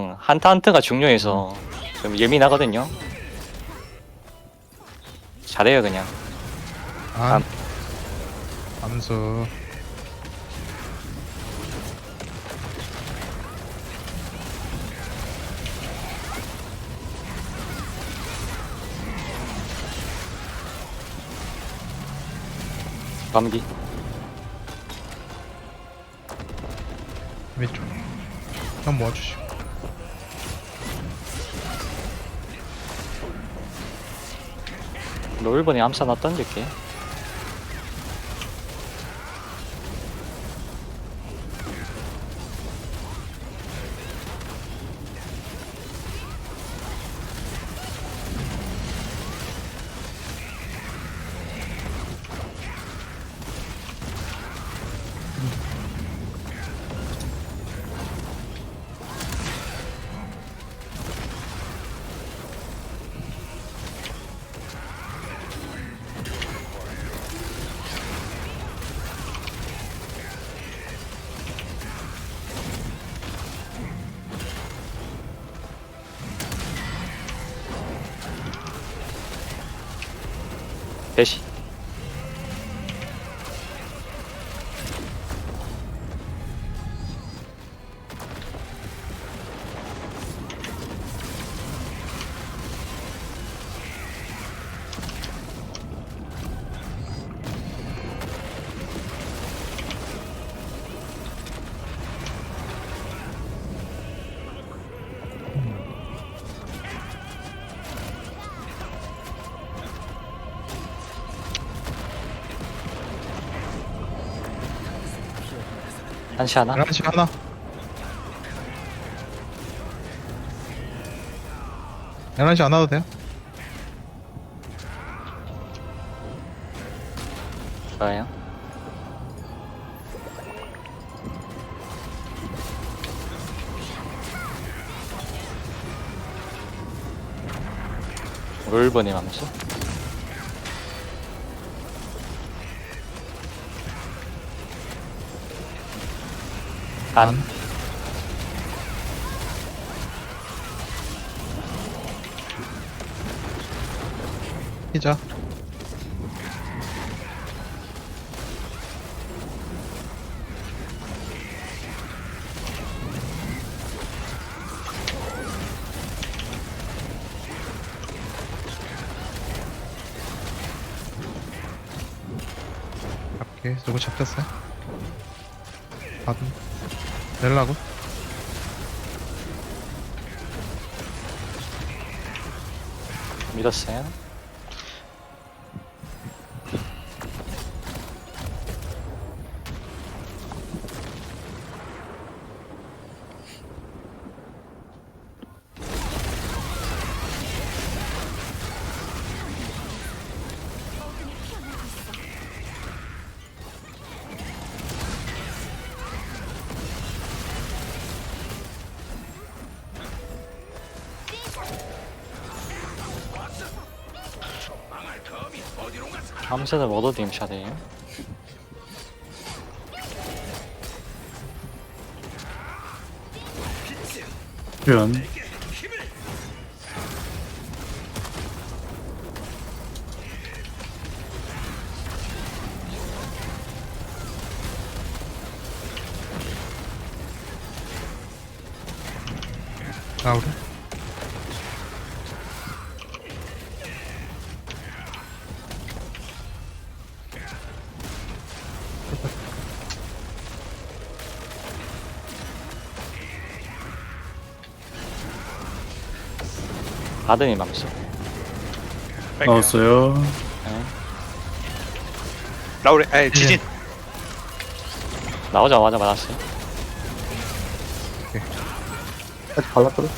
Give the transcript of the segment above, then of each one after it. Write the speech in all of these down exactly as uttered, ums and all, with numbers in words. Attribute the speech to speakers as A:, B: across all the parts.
A: 그냥 한타 한타가 중요해서 좀 예민하거든요. 잘해요 그냥.
B: 안 암수
A: 감기.
B: 왼쪽 형 모아주시고
A: 노을번에 암사 나 던질게. 대시. 한시 하나.
B: 열한 시 하나 열한 시 안 와도 돼요?
A: 좋아요. 노을번에 암수. 안.
B: 피자 잡게 누구 잡혔어요? 받은 내려고
A: 믿었어요. 암세는 워더딩 샷이에요.
C: 표현.
B: 나우리
A: 바드니 암수.
C: 나왔어요.
A: 네.
D: 라우레, 아니 지진.
A: 나오자마자 맞았어요.
E: 아직 발랐거든.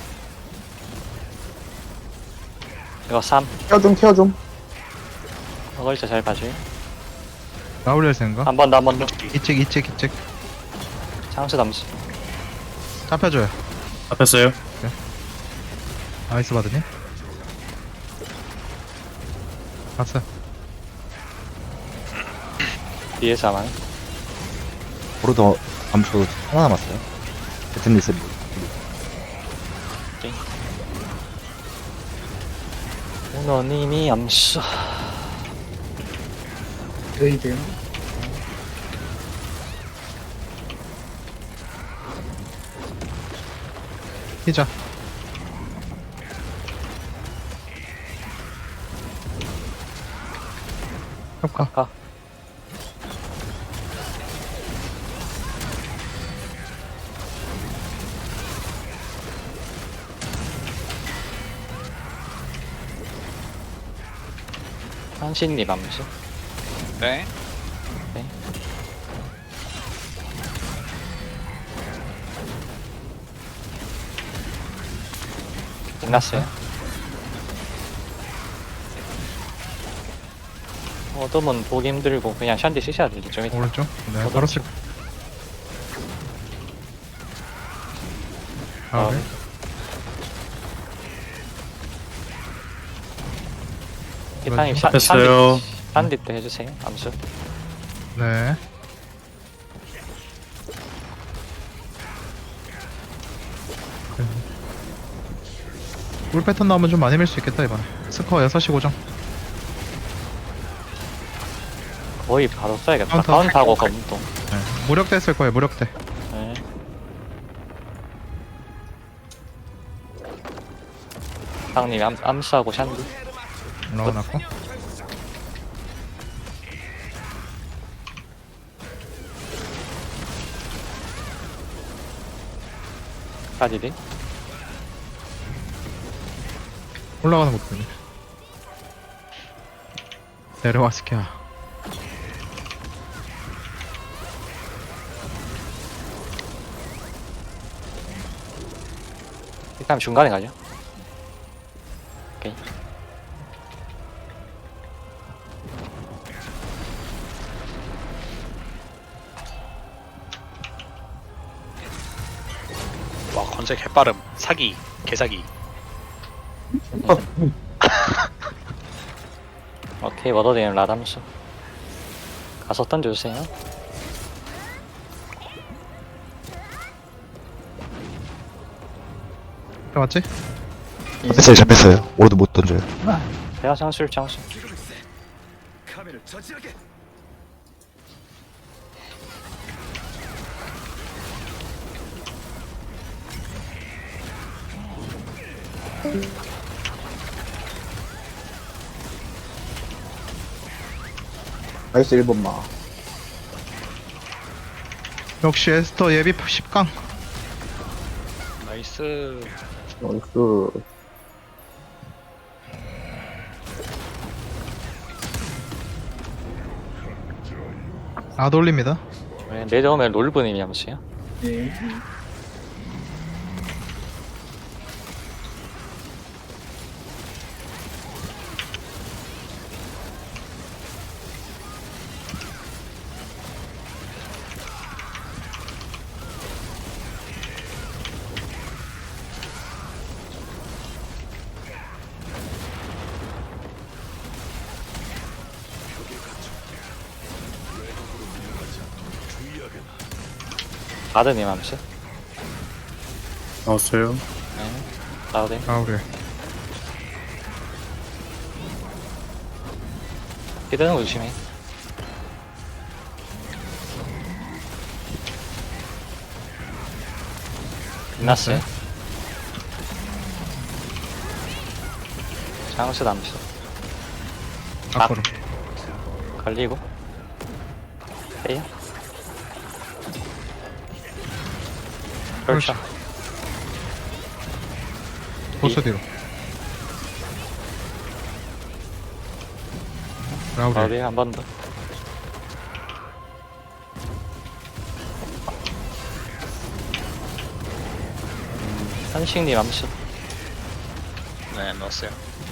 A: 이거 삼.
E: 케어 좀, 케어 좀.
A: 어글자 잘 봐줘요.
B: 나우리 할 생각?
A: 한 번 더, 한 번 더.
B: 이책 이책 이책
A: 창수 담수.
B: 잡혀줘요
C: 잡혔어요.
B: 나이스 받으니? 봤어
A: 뒤에서 하만.
E: 보르도 암수 하나 남았어요. 배튼 리셋.
A: 게임. 오너님이 암수.
E: 레이드.
B: 피자. 협가.
A: 가. 한신님 암수.
D: 네.
A: 네. 끝났어요. 어둠은 보기 힘들고 그냥 샨디 쓰셔야 되죠. 좀 이따.
B: 오른쪽. 네, 바로 쓸.
A: 아,
B: 아, 네.
A: 기타님 샨-
C: 됐어요.
A: 샨디 샨디 때 해주세요. 암수.
B: 네. 물 패턴 나오면 좀 많이 밀 수 있겠다 이번에. 스코어 여섯 시 고정.
A: 거의 바로 써야겠다.
B: 카운터.
A: 카운트하고 검도.
B: 네. 무력대 쓸 거예요. 무력대.
A: 네. 상님이 암, 암수하고 샨디.
B: 올라가놨고.
A: 까지디.
B: 올라가는 것 보니. 내려와 스키야.
A: 일단 중간에 가죠. 오케이.
D: 와 건색 개빠름. 사기. 개사기.
A: 오케이, 워더데임 라담수. 가서 던져주세요.
B: 맞지?
F: 뺐어요, 잘 뺐어요. 오로도 못 던져요.
A: 대화 장술, 장술.
E: 나이스 일 번마.
B: 역시 에스터 예비 십 강.
D: 나이스.
E: 나이스.
B: 안 올립니다.
A: 네, 내려오면 롤브님이 암수요.
E: 네.
A: 바드님 암수.
C: 나왔어요.
A: 네. 나오대.
B: 가오리.
A: 히드는 거 조심해. 끝났어요. 장수 암수.
B: 앞으로.
A: 걸리고. 빼요. 그렇죠.
B: 보스 뒤로. 라우리.
A: 어디 한 번 더. 음, 선식님 암수.
D: 네 넣었어요.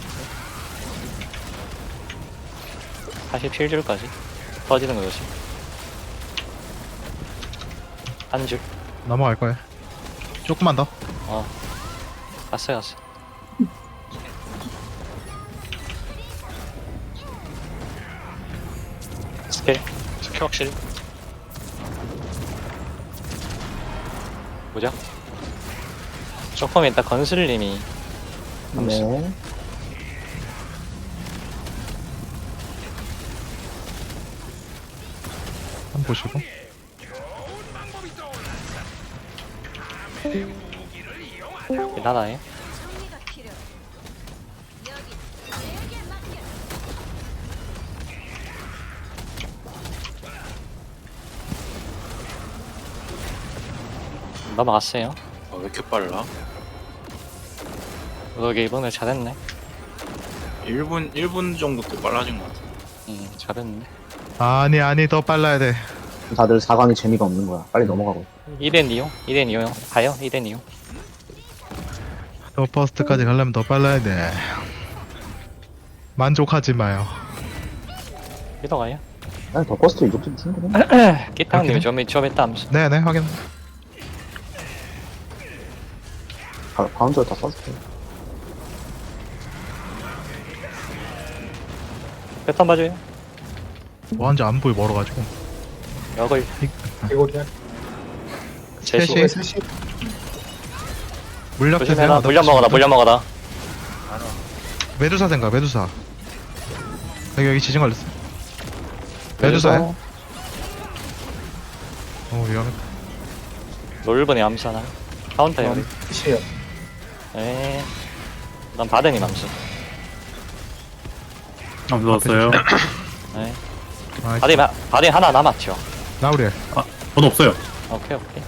A: 다시 필줄까지 터지는 거 조심. 한 줄.
B: 넘어갈 거예요. 조금만 더.
A: 어. 갔어요, 갔어. 스킬.
D: 스킬 확실히.
A: 뭐죠? 조금 이따 건슬님이
E: 네.
B: 한번 보시고.
A: 나다해. 넘어갔어요.
C: 아, 왜 이렇게 빨라?
A: 여기 이번에 잘했네.
C: 일 분, 일 분 정도 더 빨라진 것 같아.
A: 응, 잘했네.
B: 아니 아니 더 빨라야 돼.
E: 다들 사 강이 재미가 없는 거야. 빨리 넘어가고.
A: 이 대 이요? 이 대 이요? 가요? 이 대 이요?
B: 더 퍼스트까지 가려면 더 빨라야 돼. 만족하지 마요.
A: 믿어가요?
E: 아니, 더 버스트 이 정도면 충분해.
A: 기타님이 좀, 좀 했다 하면서.
B: 네네 확인.
E: 바, 바운드를 다 써줄게.
A: 패턴 봐줘요.
B: 뭐한지 안 보이 멀어가지고.
A: 역을
E: 이거리야.
A: 제시.
B: 셋이. 물약 드세요.
A: 조심해라. 물량 먹어라. 물량 먹어라.
B: 메두사 생각 메두사. 여기 여기 지진 걸렸어. 메두사야? 어 위험해.
A: 롤번이 암사나. 카운터 여기.
E: 시에요.
A: 네. 난 바덴이 암수.
C: 아, 넣었어요.
A: 네.
B: 아,
A: 바덴, 바덴 하나 남았죠.
B: 나우리엘.
C: 아, 저도 없어요.
A: 오케이, 오케이.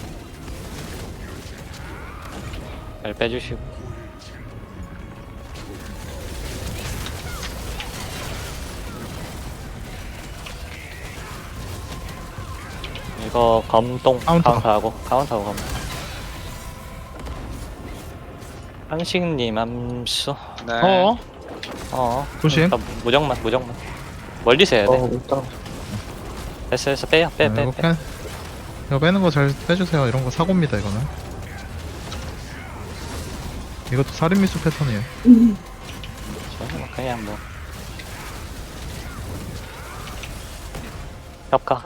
A: 잘 빼주시고. 이거 검동
B: 카운터.
A: 카운터하고 카운터하고 검. 한식님 암수.
D: 네.
B: 어?
A: 어.
B: 조심.
A: 일단 무적만 무적만. 멀리서 해야 돼.
E: 어, 일단.
A: 됐어 됐어 빼요 빼
B: 네,
A: 빼
B: 이거
A: 빼.
B: 빼. 이거 빼는 거 잘 빼주세요. 이런 거 사고입니다 이거는. 이것도 살인미수 패턴이에요.
A: 저는 그냥 뭐. 협가.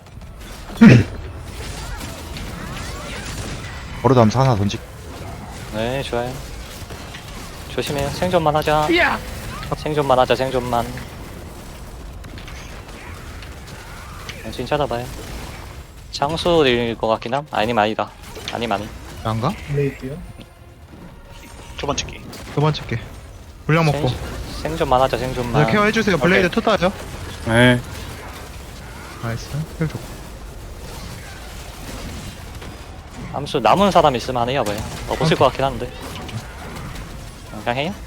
F: 버릇 하면서 하나 던지.
A: 네 좋아요. 조심해요. 생존만 하자. 생존만 하자 생존만. 정신 찾아봐요. 장수일 것 같긴 함? 아니면 아니다. 아니면 아니.
B: 안가?
D: 두 번째 기.
B: 두 번째 게. 물량 먹고.
A: 생, 생존만 하자 생존만.
B: 네, 케어 해주세요. 블레이드 투다죠?
C: 네.
B: 나이스. 힐 좋고.
A: 암수 남은 사람 있으면 안 해요 뭐야. 없을 것 같긴 한데. 그냥 해요?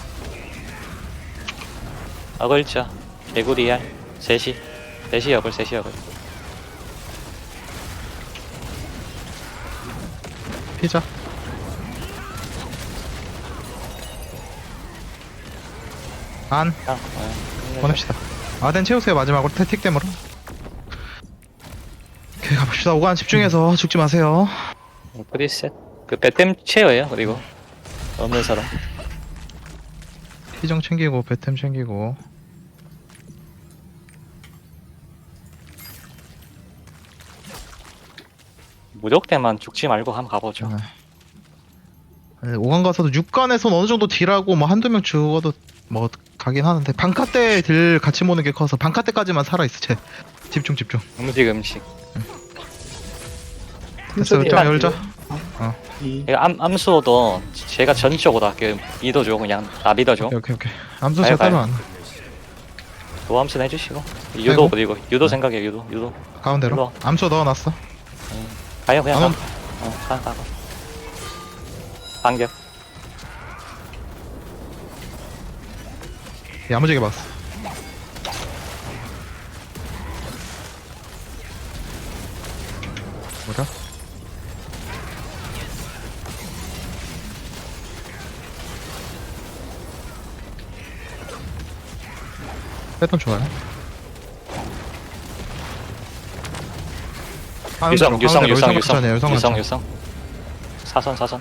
A: 어글자 개구리알 셋이 셋이 어글 셋이 어글.
B: 피자. 안.
A: 그냥 네.
B: 보냅시다. 아덴 채우세요. 마지막으로 태틱댐으로. 오케이 가봅시다. 오간 집중해서 죽지 마세요.
A: 프리셋 그 배템 체어예요 그리고 없는 사람.
B: 피정 챙기고 배템 챙기고.
A: 무적대만 죽지 말고 한번 가보죠.
B: 네, 오간 가서도 육 간에선 어느 정도 딜하고 뭐 한두 명 죽어도 뭐 가긴 하는데 방카 때 딜 같이 모는 게 커서 방카 때까지만 살아있어. 쟤 집중 집중.
A: 음식 음식.
B: 됐어. 좀 열자.
A: 이거 암, 암수도 제가 전적으로 할게요. 믿어줘 그냥. 아 믿어줘.
B: 오케이 오케이 오케이. 암수
A: 가요,
B: 제가 따로
A: 가요.
B: 안.
A: 도암수 해주시고. 유도
B: 아이고.
A: 그리고 유도 생각해 유도 유도.
B: 가운데로.
A: 일로 와.
B: 암수 넣어놨어.
A: 가요 그냥 가.
B: 안
A: 어, 가, 가, 가. 반격.
B: 야무지게 봤어. 뭐야? 패턴 좋아요.
A: 유성 유성 유성 유성
B: 유성
A: 유성 유성. 사선 사선.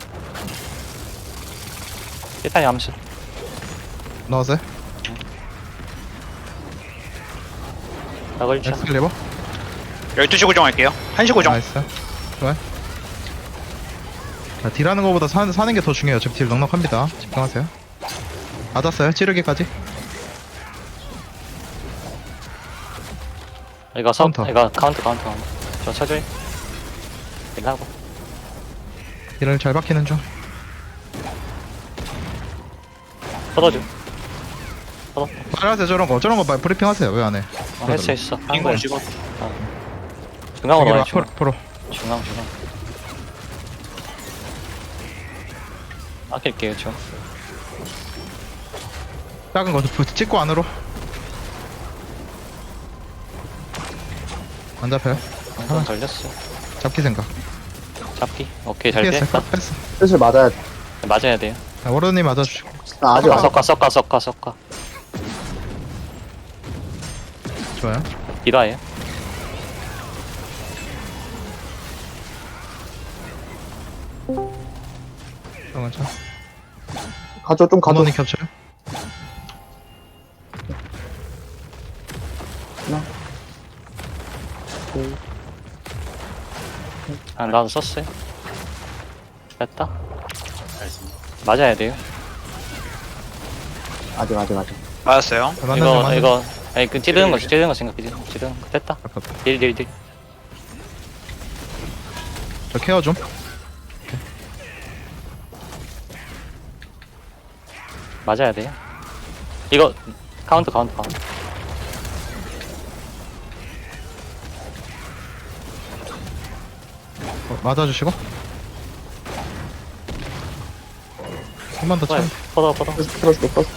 A: 일단 암수.
B: 넣었어요?
A: 나걸자.
B: 엑스클리버?
D: 열두 시 고정할게요. 한 시 고정.
B: 나이스. 좋아요. 자, 딜하는 것보다 사, 사는 게 더 중요해요. 어차피 딜 넉넉합니다. 집중하세요. 맞았어요. 찌르기까지.
A: 이거 서
B: 카운터.
A: 이거 카운트 카운트 카운트. 저 쳐줘요. 일하고.
B: 딜을 잘 박히는 중.
A: 뻗어줘. 뻗어.
B: 말하세요. 저런 거. 저런 거 말- 브리핑 하세요. 왜 안 해?
A: 어, 했어 했어. 한
D: 인공
A: 거야.
D: 찍어.
A: 중앙으로
B: 저기
A: 와요.
B: 앞으로,
A: 중앙
B: 앞으로.
A: 중앙 중앙. 아낄게요 저.
B: 작은 거 부- 찍고 안으로. 안 잡혀요.
A: 한번 걸렸어.
B: 잡기 생각.
A: 잡기. 오케이 잘
B: 피했어요.
A: 피했다.
B: 컷 뺐어.
E: 슬슬 맞아야 돼.
A: 맞아야 돼요.
B: 자, 워로님 맞아주시고.
E: 아, 아직
A: 섞어
E: 안
A: 섞어 섞어 섞어 섞어.
B: 좋아요.
A: 이다예요.
B: 잠깐만, 자.
E: 가져, 좀 가져.
B: 원원이 겹쳐요.
A: 아 나도 썼어요. 됐다. 맞아야 돼요.
E: 아직, 아직, 아직.
D: 맞았어요.
B: 자, 맞는 중,
A: 이거
B: 맞는 중.
A: 이거 아니 그 찌르는 거 찌르는 거 생각해. 찌르는 거 됐다.
B: 아깝다.
A: 딜 딜 딜.
B: 저 케어 좀.
A: 맞아야 돼요. 이거 카운트 카운트 카운트.
B: 어, 맞아주시고. 한 번 더 참.
A: 퍼더 퍼더.
E: 풀어줄게, 풀어줄게.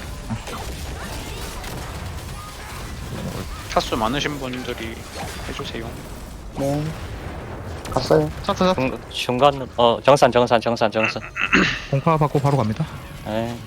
D: 타수 많으신 분들이 해주세요.
E: 네. 갔어요.
B: 찼어, 찼어.
A: 중, 중간 어 정산 정산 정산 정산.
B: 공파 받고 바로 갑니다.
A: 에이.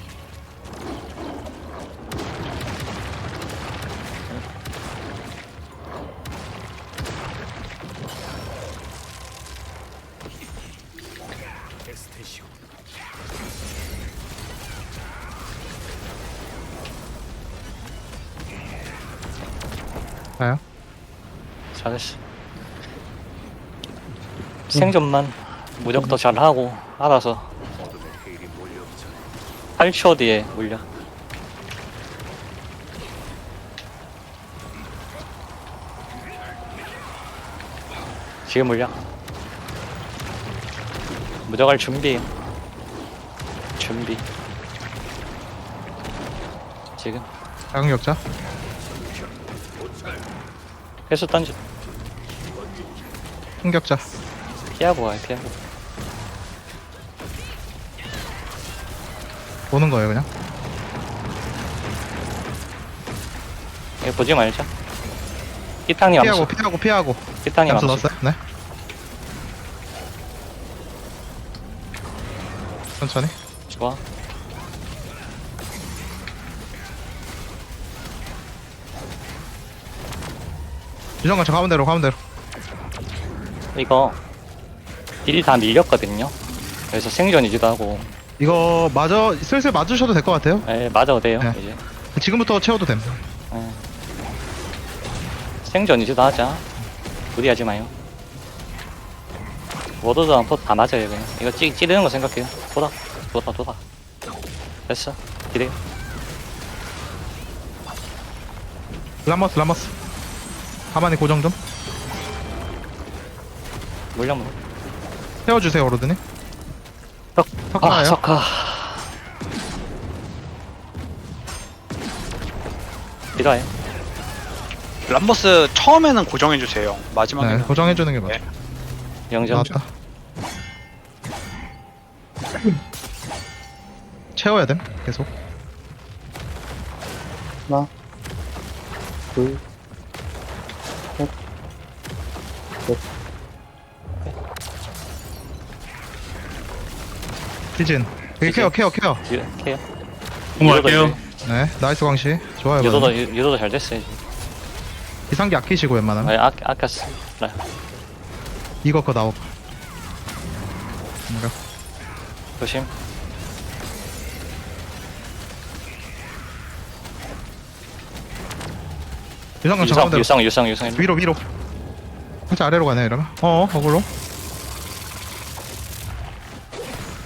B: 가요.
A: 잘했어. 생존만 무적도 잘하고 알아서 팔 초 뒤에 물려. 지금 물려. 무적할 준비. 준비. 지금
B: 작은 격자.
A: 회수 던져.
B: 큰 격자.
A: 피하고 와요 피하고.
B: 보는 거예요, 그냥.
A: 이거 보지 말자. 끼탕님
B: 피하고,
A: 암수.
B: 피하고, 피하고.
A: 끼탕님
B: 암수
A: 암수.
B: 넣었어요? 네. 천천히.
A: 좋아.
B: 유정관 저 가운데로, 가운데로.
A: 이거 딜이 다 밀렸거든요. 그래서 생존이기도 하고.
B: 이거 맞아, 슬슬 맞으셔도 될 것 같아요.
A: 에 맞아도 돼요
B: 네.
A: 이제.
B: 지금부터 채워도 됨.
A: 에. 생존이기도 하자. 무리하지 마요. 워도드랑 포다 맞아요 그냥. 이거 찌, 찌르는 거 생각해요. 돌아 돌아 돌아. 됐어. 기대요.
B: 라머스, 라머스. 가만히 고정 좀.
A: 물려 물려.
B: 세워주세요, 오로드님.
A: 석-
B: 석
A: 아
B: 가요.
A: 석화. 이거예요.
D: 람버스 처음에는 고정해주세요. 마지막에는
B: 네, 고정해주는 게 맞아.
D: 네.
A: 영점.
B: 나왔다. 채워야 됨, 계속.
E: 하나, 둘,
B: 시즌. 여기 케어, 케어, 케어.
A: 유, 케어.
G: 공부할게요.
B: 네, 나이스 광시. 좋아요.
A: 유도도
B: 맞네.
A: 유- 유도도 잘 됐어요. 이제.
B: 이상기 아끼시고 웬만하면.
A: 아 아, 아꼈어. 네.
B: 이거 거 나오고. 뭔가.
A: 조심.
B: 유정관 저
A: 유성
B: 가운데로.
A: 유성 유성 유성.
B: 위로, 위로. 살짝 아래로 가네요, 이러면. 어어, 어글로.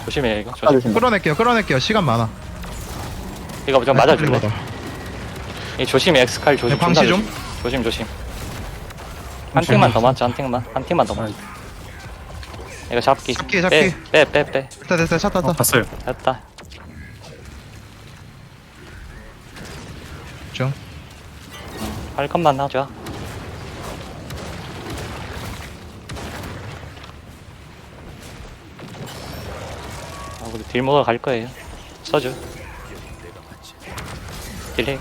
A: 조심해 이거. 조심.
E: 깎아주신다.
B: 끌어낼게요 끌어낼게요 시간 많아.
A: 이거 좀 맞아줄래?
B: 이거다.
A: 이 조심해 엑스칼 조심.
B: 네, 광시
A: 존나
B: 좀.
A: 조심. 조심 조심. 한 팀만 더 맞자 한 팀만 한 팀만 더 맞자. 이거 잡기.
B: 잡기, 잡기.
A: 빼빼 빼 빼.
B: 됐다 됐다 차 탔다.
C: 봤어요.
A: 됐다.
B: 중.
A: 할 것만 하자. 아, 우리 딜 먹으러 갈 거예요. 써줘. 딜해.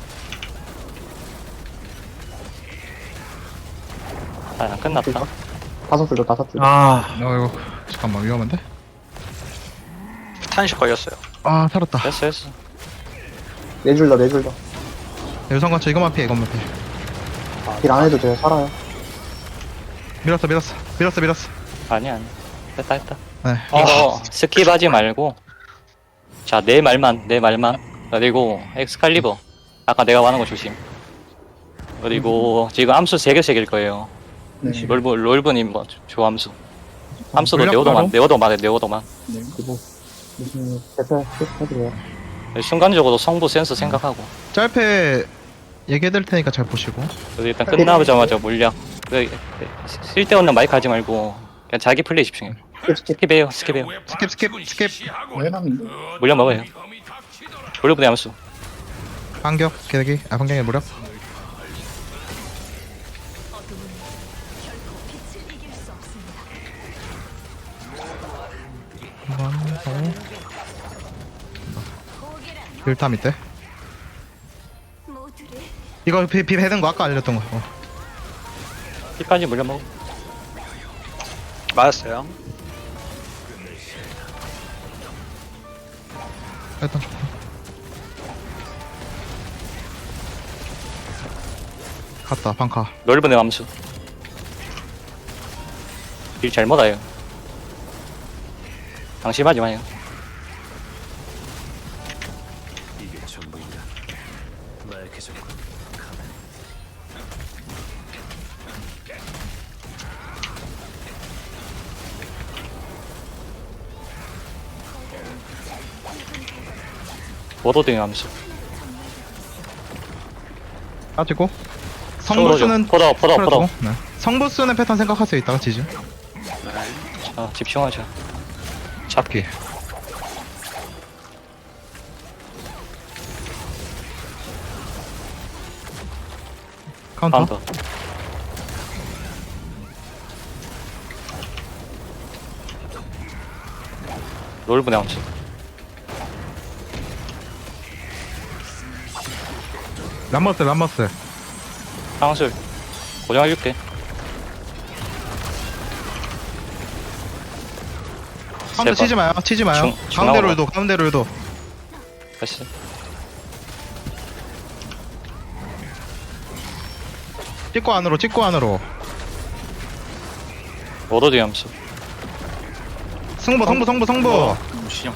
A: 아, 안 끝났다.
E: 다섯 줄도 다섯 줄.
C: 아,
B: 어 이거 잠깐만 위험한데?
D: 탄식 걸렸어요.
B: 아 살았다.
A: 됐어, 됐어.
E: 네 줄 더, 네 줄 더.
B: 유성관차 이것만 피해 이것만 피해.
E: 딜 안 해도 돼요. 살아요.
B: 밀었어 밀었어 밀었어 밀었어.
A: 아니야, 아니야. 됐다, 됐다.
B: 네.
A: 이거 스킵하지 말고. 자, 내 말만, 내 말만. 그리고 엑스칼리버. 아까 내가 말한 거 조심. 그리고 지금 암수 세 개씩일 거예요.
E: 네.
A: 롤브, 롤브님 뭐, 조함수. 함수도
B: 물량
A: 네오도만,
B: 바로?
A: 네오도만 해, 네오도만.
E: 그리고 무슨 대표 해드려요.
A: 순간적으로 성부 센스 생각하고.
B: 짧게 얘기해드릴 테니까 잘 보시고.
A: 그래서 일단 끝나자마자 물량. 그, 쓸데없는 마이크 하지 말고, 그냥 자기 플레이 집중해.
E: 스킵, 스킵.
A: 스킵해요, 스킵해요.
B: 스킵 스킵 스킵.
E: 왜 남인데?
A: 물량 먹어요. 롤브님 함수.
B: 반격 개대기 아 반격의 무력. 한번 더. 일타 밑에. 이거 비, 비 해든 거 아까 알려줬던 거. 어.
A: 힙까지 물량 먹어.
D: 맞았어요.
B: 일단 좋고. 갔다 방카.
A: 롤브님 함수. 일 잘못 와요. 방심하지 마요. 워더딩 함수.
B: 빠지고.
A: 성부 좀.
B: 성부수는
A: 포더, 포더, 포더.
B: 풀어주고. 네. 성부수는 패턴 생각하세요 이따가 지지.
A: 자, 집중하자. 잡기.
B: 카운터.
A: 카운터. 롤브네 함수.
B: 람머스 람머스.
A: 상술. 고정해줄게.
B: 카운터
A: 세
B: 치지 마요 치지 마요.
A: 중-
B: 가운데
A: 중앙으로.
B: 롤도 가운데 롤도.
A: 됐어.
B: 찍고 안으로 찍고 안으로.
A: 워더딩 함수.
B: 승부 승부 승부 승부.
C: 시정.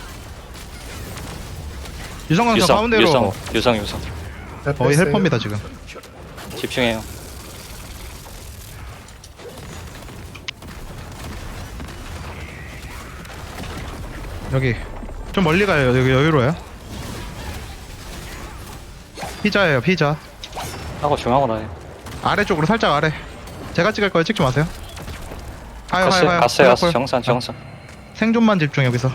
B: 유성광 저
A: 유성,
B: 가운데로.
A: 유성, 유성, 유성.
B: 거의 헬퍼입니다 지금.
A: 집중해요.
B: 여기 좀 멀리 가요. 여기 여유로워요. 피자예요 피자.
A: 하고 중앙으로 해.
B: 아래쪽으로 살짝 아래. 제가 찍을 거예요. 찍지 마세요. 하요
A: 갔어요,
B: 하요 하요.
A: 갔어요, 갔어.
B: 하요.
A: 정산, 정산.
B: 생존만 집중 여기서.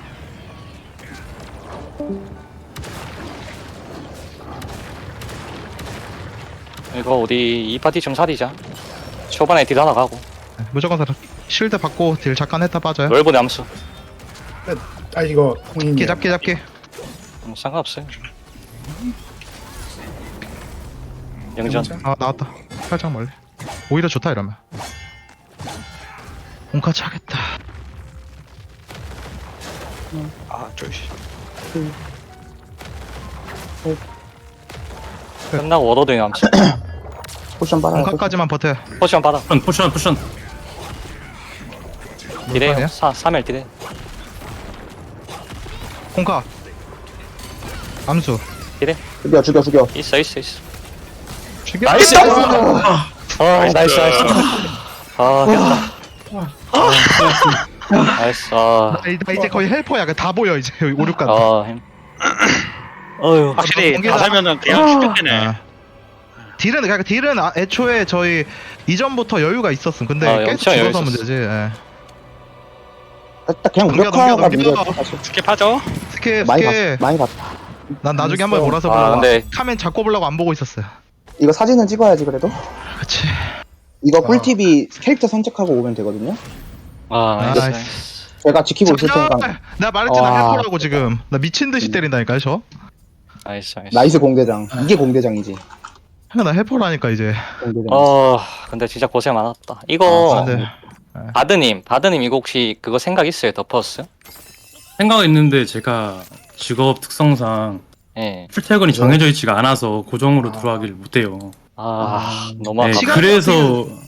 A: 이거 우리 이 파티 좀 살리자. 초반에 딜 하나 가고.
B: 네, 무조건 살아. 실드 받고 딜 잠깐 했다 빠져요.
A: 롤브네 함수.
G: 아 이거
B: 잡기 잡기 잡기.
A: 음, 상관없어요. 영전.
B: 아 나왔다. 살짝 멀리. 오히려 좋다 이러면. 온카 차겠다.
D: 아, 저씨.
A: 끝나고 워더딩 함수.
E: 포션 빨아요.
B: 온카까지만 버텨.
A: 포션 받아.
C: 포션, 포션, 포션.
A: 딜해요.
B: 아니야?
A: 사, 삼 일 딜해.
B: 온카. 암수.
A: 딜해.
E: 죽여, 죽여, 죽여.
A: 있어, 있어, 있어.
B: 죽여.
C: 나이스!
A: 아, 나이스, 나이스. 아, 됐다. 나이스. 아,
B: 나, 이- 나 이제 거의 헬퍼야. 다 보여 이제 오, 육 간.
A: 아, 힘. 어휴.
D: 확실히
B: 번개다.
D: 다 살면은 그냥 죽겠네.
B: 아. 딜은 그러니까 딜은 아, 애초에 저희 이전부터 여유가 있었음. 근데
A: 아,
B: 계속
A: 엄청 여유
B: 죽어서
A: 있었어.
B: 문제지. 예.
E: 딱 그냥
B: 넘겨,
E: 무력화가
B: 넘겨, 넘겨.
E: 문제였어 사실.
D: 스킵하죠.
B: 스케
E: 많이
B: 스케.
E: 봤 많이 봤다.
B: 난 나중에 한번 몰아서
A: 아,
B: 보려고.
A: 근데-
B: 카멘 잡고 보려고 안 보고 있었어요.
E: 이거 사진은 찍어야지 그래도.
B: 그치.
E: 이거
B: 어.
E: 꿀팁이 캐릭터 선택하고 오면 되거든요.
A: 아, 나이스.
B: 나이스.
E: 제가 지키고 있을 테니까.
B: 나 말했잖아
E: 와.
B: 헬퍼라고 지금. 나 미친 듯이
E: 음.
B: 때린다니까 저.
A: 나이스, 나이스.
E: 나이스 공대장. 이게 공대장이지.
B: 나 헬퍼라니까 이제.
E: 공대장.
A: 어, 근데 진짜 고생 많았다. 이거,
B: 아, 근데
A: 바드님, 바드님 이거 혹시 그거 생각 있어요? 더퍼스?
H: 생각은 있는데 제가 직업 특성상
A: 예.
H: 출퇴근이 정해져 있지가 않아서 고정으로 들어가기를 못해요.
A: 아, 너무
H: 네,
A: 아깝다.
B: 시간-
H: 그래서